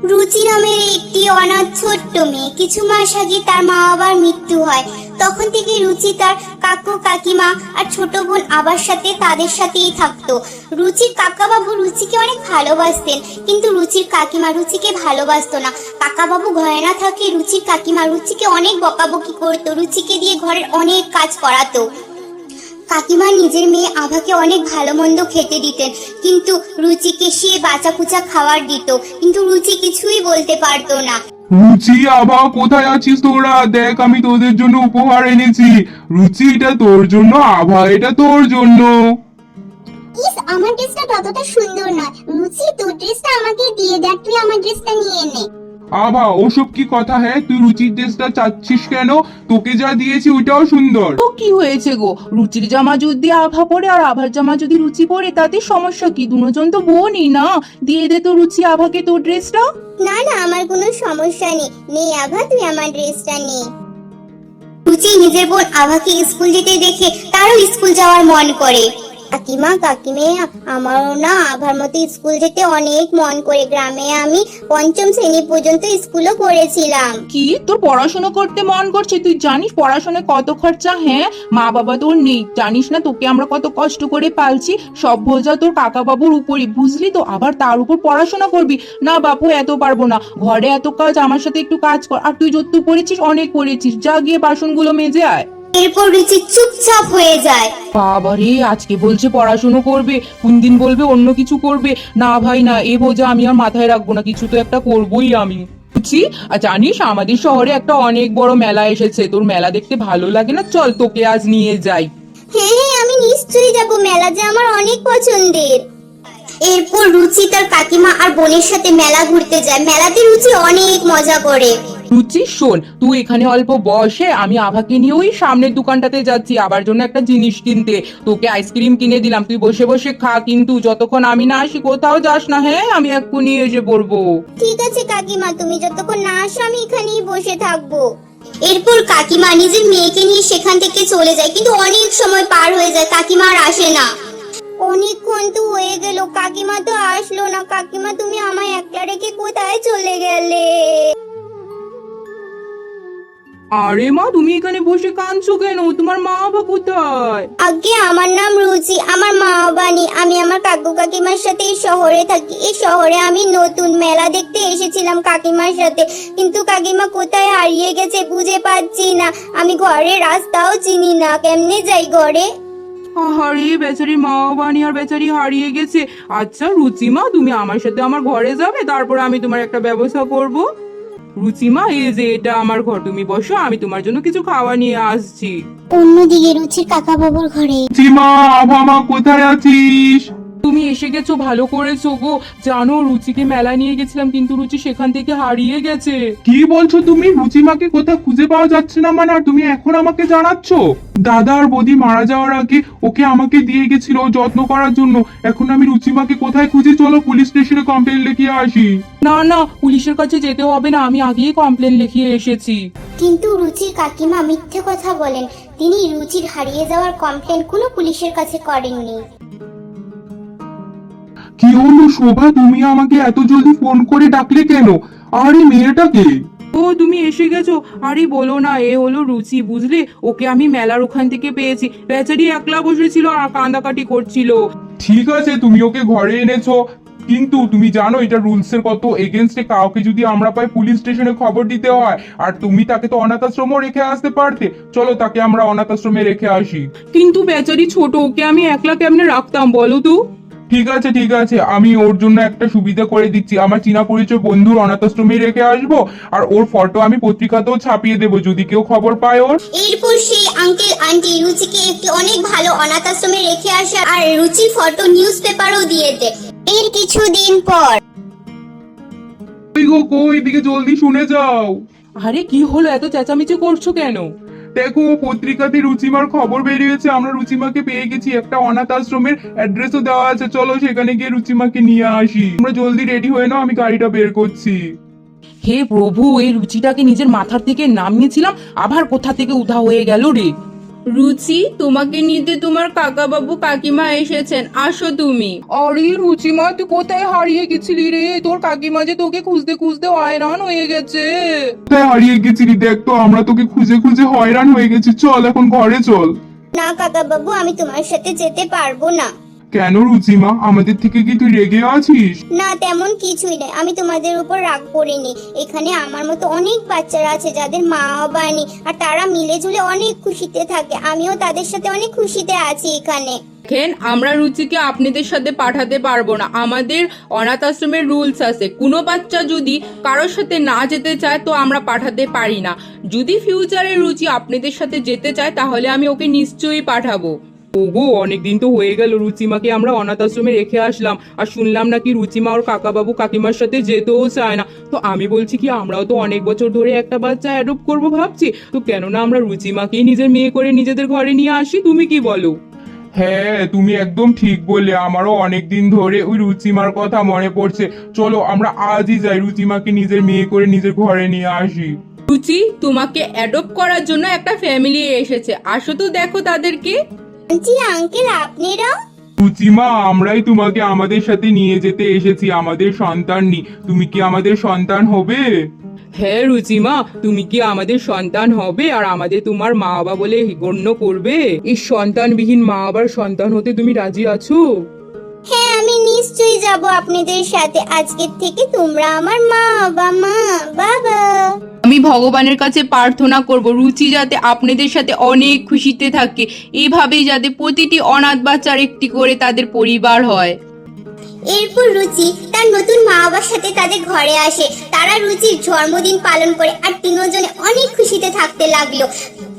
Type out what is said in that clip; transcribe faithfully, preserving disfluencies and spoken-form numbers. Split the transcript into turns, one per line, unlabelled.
রুচি নামের একটি অনাথ ছোট্ট মেয়ে। কিছু মাস আগে তার মা বাবার মৃত্যু হয়। তখন থেকে রুচি তার কাকু কাকিমা আর ছোট বোন আবার সাথে তাদের সাথেই থাকতো। রুচির কাকা বাবু রুচিকে অনেক ভালোবাসতেন, কিন্তু রুচির কাকিমা রুচিকে ভালোবাসতো না। কাকা বাবু ঘরে না থাকলে রুচির কাকিমা রুচিকে অনেক বকাবকি করতো, রুচিকে দিয়ে ঘরের অনেক কাজ করাতো। কাকিমা নিজের মেয়ে আভাকে অনেক ভালো মন্দ খেতে দিতেন, কিন্তু রুচিকে সে বাঁচা কুচা খাবার দিত, কিন্তু রুচি কিছুই বলতে পারতো না।
রুচি, আভা, কোথায় আছিস তোরা? দেখ, আমি তোদের জন্য উপহার এনেছি। রুচি, এটা তোর জন্য। আভা, এটা তোর জন্য।
ইস, আমার ড্রেসটা ততটা সুন্দর নয়। রুচি, তোর ড্রেসটা আমাকে দিয়ে দেখ, তুই আমার ড্রেসটা নিয়ে নে।
আভা, ওসব কি কথা? হ্যাঁ, তুই রুচির ড্রেসটা চাচ্ছিস কেন? তোকে যা দিয়েছি ওইটাও সুন্দর।
তো কি হয়েছে গো? রুচির জামা যদি আভা পরে আর আভার জামা যদি রুচি পরে, তাতে সমস্যা কি? দুজন তো বোনই না। দিয়ে দে তো রুচি আভাকে তোর ড্রেসটা।
না না, আমার কোনো সমস্যা নেই। নে আভা, তুই আমার ড্রেসটা নে। রুচি নিজের বোন আভাকে স্কুল যেতে দেখে তারও স্কুল যাওয়ার মন করে। কাকিমা কাকিমে, আমারও না আভার মতো স্কুল যেতে অনেক মন করে। গ্রামে আমি পঞ্চম শ্রেণী পর্যন্ত স্কুলও করেছিলাম।
কি, তোর পড়াশোনা করতে মন করছে? তুই জানিস পড়াশোনায় কত খরচা? হ্যাঁ, মা বাবা তোর নেই, জানিস না তোকে আমরা কত কষ্ট করে পালছি। সব বোঝা তোর কাকা বাবুর উপরই, বুঝলি তো? আবার তার উপর পড়াশোনা করবি না? বাপু, এত পারবো না, ঘরে এত কাজ, আমার সাথে একটু কাজ কর। আর তুই যত পড়েছিস, অনেক পড়েছিস, যা গিয়ে বাসনগুলো মেজে আয়।
এরপর রুচি চুপচাপ হয়ে যায়।
বাবারে, আজকে বলছে পড়াশুনো করবে, কোন দিন বলবে অন্য কিছু করবে। না ভাই না, এ বোঝা আমি আর মাথায় রাখবো না, কিছু তো একটা করবোই আমি। বুঝছি। আর জানিস, আমাদের শহরে একটা অনেক বড় মেলা এসেছে। তোর মেলা দেখতে ভালো লাগে না? চল, তোকে আজ নিয়ে যাই।
হ্যাঁ হ্যাঁ, আমি নিশ্চয়ই যাব। মেলা যে আমার অনেক পছন্দের। এরপর রুচি তার কাকিমা আর বোনের সাথে মেলা ঘুরতে যায়। মেলাতে রুচি অনেক মজা করে।
রুচি, শোন, তুই এখানে অল্প বসে, আমি আভাকে নিয়ে ওই সামনের দোকানটাতে যাচ্ছি আবার জন্য একটা জিনিস কিনতে। তোকে আইসক্রিম কিনে দিলাম, তুই বসে বসে খা, কিন্তু যতক্ষণ আমি না আসি কোথাও যাস না। হ্যাঁ, আমি এক্ষুনি এসে পড়বো।
ঠিক আছে কাকিমা, তুমি যতক্ষণ না আসো আমি এখানেই বসে থাকবো। এরপর কাকিমা নিজের মেয়েকে নিয়ে সেখান থেকে চলে যায়, কিন্তু অনেক সময় পার হয়ে যায়, কাকিমা আর আসে না। অনেকক্ষণ তো হয়ে গেল, কাকিমা তো আসলো না। কাকিমা, তুমি আমায় একলা রেখে কোথায় চলে গেলে?
আরে মা, তুমি এখানে বসে কাঁদছো কেন? তোমার মা বাবা কোথায়?
আগে, আমার নাম রুচি, আমার মা বাবা নেই। আমি আমার কাকু কাকিমার সাথে এই শহরে থাকি। এই শহরে আমি নতুন, মেলা দেখতে এসেছিলাম কাকিমার সাথে, কিন্তু কাকিমা কোথায় হারিয়ে গেছে বুঝে পাচ্ছি না। আমি ঘরের রাস্তাও চিনি না, কেমনে যাই ঘরে?
আরে বেচারি মা বাবা নেই আর বেচারি হারিয়ে গেছে। আচ্ছা রুচিমা, তুমি আমার সাথে আমার ঘরে যাবে, তারপর আমি তোমার একটা ব্যবস্থা করব। রুচিমা, এই যে এটা আমার ঘর, তুমি বসো, আমি তোমার জন্য কিছু খাওয়া নিয়ে আসছি।
অন্যদিকে রুচির কাকা বাবুর ঘরে।
সীমা, আভা, মা, কোথায় আছিস?
তুমি এসে গেছো, ভালো করেছো গো। জানো, রুচিকে মেলা নিয়ে গেছিলাম, কিন্তু রুচি সেখান থেকে হারিয়ে গেছে।
কি বলছো তুমি? রুচিমাকে কোথাও খুঁজে পাওয়া যাচ্ছে না মানে? আর তুমি এখন আমাকে জানাচ্ছ? দাদা আর বৌদি মারা যাওয়ার আগে ওকে আমাকে দিয়ে গেছিল যত্ন করার জন্য। এখন আমি রুচিমাকে কোথায় খুঁজি? চলো পুলিশ স্টেশনে কমপ্লেন লিখিয়ে আসি।
না না, পুলিশের কাছে যেতে হবে না, আমি আগেই কমপ্লেন লিখিয়ে এসেছি।
কিন্তু রুচির কাকিমা মিথ্যে কথা বলেন। তিনি রুচির হারিয়ে যাওয়ার কমপ্লেন কোনো পুলিশের কাছে করেননি।
কি হলো শোভা, তুমি আমাকে এত জলদি ফোন করে ডাকলে কেন? আর এই মেয়েটাকে?
ও, তুমি এসে গেছো। আরে বলো না, এ হলো রুচি, বুঝলে? ওকে আমি মেলার ওখান থেকে পেয়েছি। বেচারি একলা বসেছিল আর কান্দাকাটি করছিল।
ঠিক আছে, তুমি ওকে ঘরে এনেছো, কিন্তু তুমি জানো এটা রুলস এর কত এগেনস্টে। কাউকে যদি আমরা পাই পুলিশ স্টেশনে খবর দিতে হয়। আর তুমি তাকে তো অনাথ আশ্রমও রেখে আসতে পারতে। চলো তাকে আমরা অনাথ আশ্রমে রেখে আসি।
কিন্তু বেচারি ছোট, ওকে আমি একলা কেমনে রাখতাম বলো তো?
ঠিক আছে ঠিক আছে, আমি ওর জন্য একটা সুবিধা করে দিচ্ছি। আমার চীনা পরিচয় বন্ধুর অনাথ আশ্রমে রেখে আসবো, আর ওর ফটো আমি পত্রিকাতেও ছাপিয়ে দেবো যদি কেউ খবর পায় ওর।
এরপর সেই আঙ্কেল আন্টি রুচিকে একটি অনেক ভালো অনাথ আশ্রমে রেখে আসে, আর রুচির ফটো নিউজ পেপারও দিয়ে দেয়। এর কিছুদিন পর।
কই গো, কই, এদিকে জলদি শুনে যাও।
আরে কি হলো, এত চেঁচামেচি করছো কেন?
দেখো, পত্রিকাতে রুচিমার খবর বেরিয়েছে। আমরা রুচিমাকে পেয়ে গেছি, একটা অনাথ আশ্রমের অ্যাড্রেসও দেওয়া আছে। চলো সেখানে গিয়ে রুচিমাকে নিয়ে আসি। তোমরা জলদি রেডি হয়ে নাও, আমি গাড়িটা বের করছি।
হে প্রভু, এই রুচিটাকে নিজের মাথার থেকে নামিয়েছিলাম, আবার কোথা থেকে উধা হয়ে গেল রে।
রুচি, তোমাকে নিতে তোমার কাকা বাবু কাকিমা এসেছেন, আসো তুমি।
আরে রুচিমা, তুই কোথায় হারিয়ে গেছিলি রে? তোর কাকিমা যে তোকে খুঁজতে খুঁজতে হয়রান হয়ে গেছে।
কোথায় হারিয়ে গেছিলি দেখ তো, আমরা তোকে খুঁজে খুঁজে হয়রান হয়ে গেছি। চল এখন ঘরে চল।
না কাকা বাবু, আমি তোমার সাথে যেতে পারবো না।
কেন রুচিমা, আমাদের থেকে কি তুই রেগে আছিস?
না, তেমন কিছুই নেই, আমি তোমাদের উপর রাগ করিনি। এখানে আমার মতো অনেক বাচ্চারা আছে যাদের মা বাবা নেই, আর তারা মিলে ঝুলে অনেক খুশিতে থাকে। আমিও তাদের সাথে অনেক খুশিতে আছি এখানে।
দেখেন, আমরা রুচিকে আপনাদের সাথে পাঠাতে পারবো না। আমাদের অনাথ আশ্রমের রুলস আছে, কোনো বাচ্চা যদি কারোর সাথে না যেতে চায় তো আমরা পাঠাতে পারি না। যদি ফিউচারে রুচি আপনাদের সাথে যেতে চায় তাহলে আমি ওকে নিশ্চয়ই পাঠাবো।
ওগো, অনেকদিন তো হয়ে গেল রুচিমাকে আমরা অনাথ আশ্রমে রেখে আসলাম, আর শুনলাম নাকি রুচিমা ওর কাকা বাবু কাকিমার সাথে যেতেও চায় না। তো আমি বলছি কি, আমরাও তো অনেক বছর ধরে একটা বাচ্চা অ্যাডপ্ট করবো ভাবছি, তো কেন না আমরা রুচিমাকেই নিজের মেয়ে করে নিজেদের ঘরে নিয়ে আসি? তুমি কি বলো?
হ্যাঁ, তুমি একদম ঠিক বললে। আমারও অনেক দিন ধরে ওই রুচিমার কথা মনে পড়ছে। চলো আমরা আজই যাই, রুচিমাকে নিজের মেয়ে করে নিজের ঘরে নিয়ে আসি।
রুচি, তোমাকে অ্যাডপ্ট করার জন্য একটা ফ্যামিলি এসেছে, আসো তো দেখো তাদেরকে।
জি আঙ্কেল, আপনারাও?
রুচিমা, আমরাই তোমাকে আমাদের সাথে নিয়ে যেতে এসেছি। আমাদের সন্তান নি, তুমি কি আমাদের সন্তান হবে?
হ্যাঁ রুচিমা, তুমি কি আমাদের সন্তান হবে আর আমাদের তোমার মা বাবা বলে গণ্য করবে? এই সন্তানবিহীন মা বাবার সন্তান হতে তুমি রাজি আছো?
হ্যাঁ, আমি নিশ্চয়ই যাব আপনাদের সাথে। আজকের থেকে তোমরা আমার মা বাবা। মা বাবা।
আমি ভগবানের কাছে প্রার্থনা করব রুচি যাতে আপনাদের সাথে অনেক খুশিতে থাকে, এইভাবেই যাতে প্রতিটি অনাথ বাচ্চার একটি করে তাদের পরিবার হয়।
এরপর রুচি তার নতুন মা বাবার সাথে তাদের ঘরে আসে। তারা রুচির জন্মদিন পালন করে আর তিনজনে অনেক খুশিতে থাকতে লাগলো।